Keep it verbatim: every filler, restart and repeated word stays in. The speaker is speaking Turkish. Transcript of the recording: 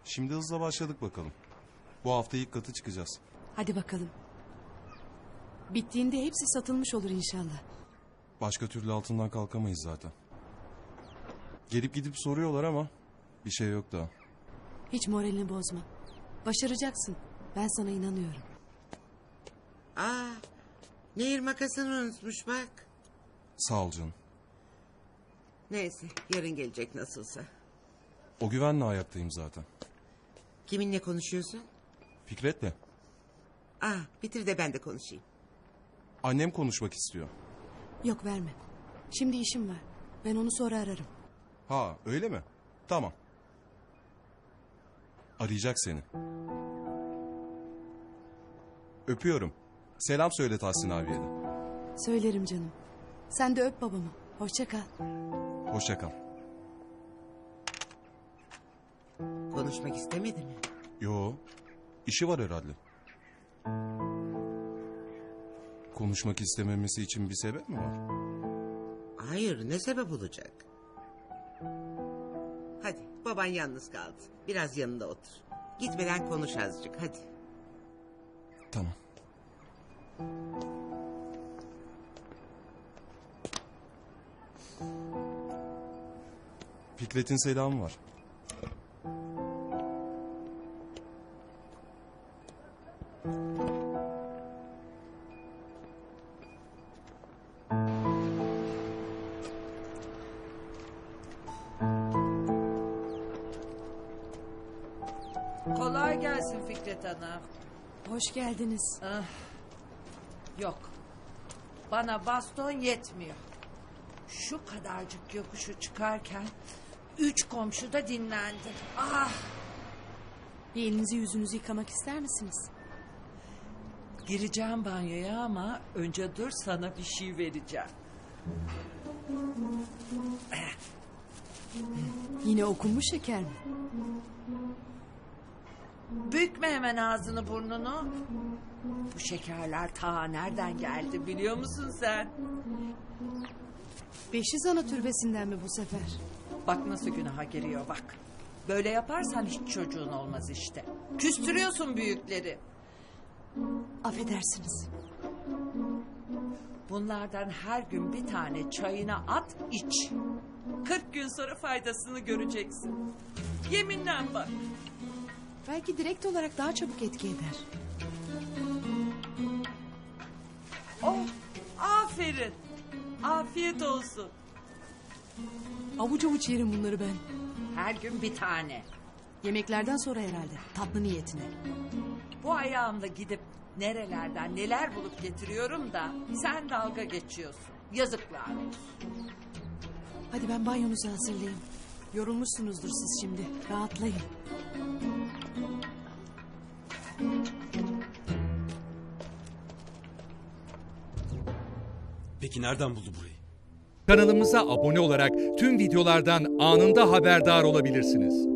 Şimdi hızla başladık bakalım. Bu hafta ilk katı çıkacağız. Hadi bakalım. Bittiğinde hepsi satılmış olur inşallah. Başka türlü altından kalkamayız zaten. Gelip gidip soruyorlar ama bir şey yok daha. Hiç moralini bozma. Başaracaksın. Ben sana inanıyorum. Aa, Nehir makasını unutmuş bak. Sağ ol canım. Neyse, yarın gelecek nasılsa. O güvenle ayaktayım zaten. Kiminle konuşuyorsun? Fikret'le. Aa, bitir de ben de konuşayım. Annem konuşmak istiyor. Yok verme. Şimdi işim var. Ben onu sonra ararım. Ha öyle mi? Tamam. Arayacak seni. Öpüyorum. Selam söyle Tahsin abiye de. Söylerim canım. Sen de öp babamı. Hoşça kal. Hoşça kal. Konuşmak istemedi mi? Yo. İşi var herhalde. Konuşmak istememesi için bir sebep mi var? Hayır, ne sebep olacak? Hadi, baban yalnız kaldı. Biraz yanında otur. Gitmeden konuş azıcık, hadi. Tamam. Fikret'in selamı var. Kolay gelsin Fikret Hanım. Hoş geldiniz. Ah, yok. Bana baston yetmiyor. Şu kadarcık yokuşu çıkarken üç komşu da dinlendi. Ah, Bir elinizi yüzünüzü yıkamak ister misiniz? gireceğim banyoya ama önce dur, sana bir şey vereceğim. Yine okunmuş şeker mi? Bükme hemen ağzını burnunu. Bu şekerler ta nereden geldi biliyor musun sen? Beşiz Ana türbesinden mi bu sefer? Bak nasıl günaha giriyor bak. Böyle yaparsan hiç çocuğun olmaz işte. Küstürüyorsun büyükleri. Affedersiniz. Bunlardan her gün bir tane çayına at, iç. Kırk gün sonra faydasını göreceksin. Yeminle bak. Belki direkt olarak daha çabuk etki eder. Oh, aferin. Afiyet olsun. Avuç avuç yerim bunları ben. Her gün bir tane. Yemeklerden sonra herhalde. Tatlı niyetine. Bu ayağımla gidip nerelerden neler bulup getiriyorum da sen dalga geçiyorsun. Yazıklar olsun. Hadi ben banyonuzu hazırlayayım. Yorulmuşsunuzdur siz şimdi. Rahatlayın. Peki nereden buldu burayı? Kanalımıza abone olarak tüm videolardan anında haberdar olabilirsiniz.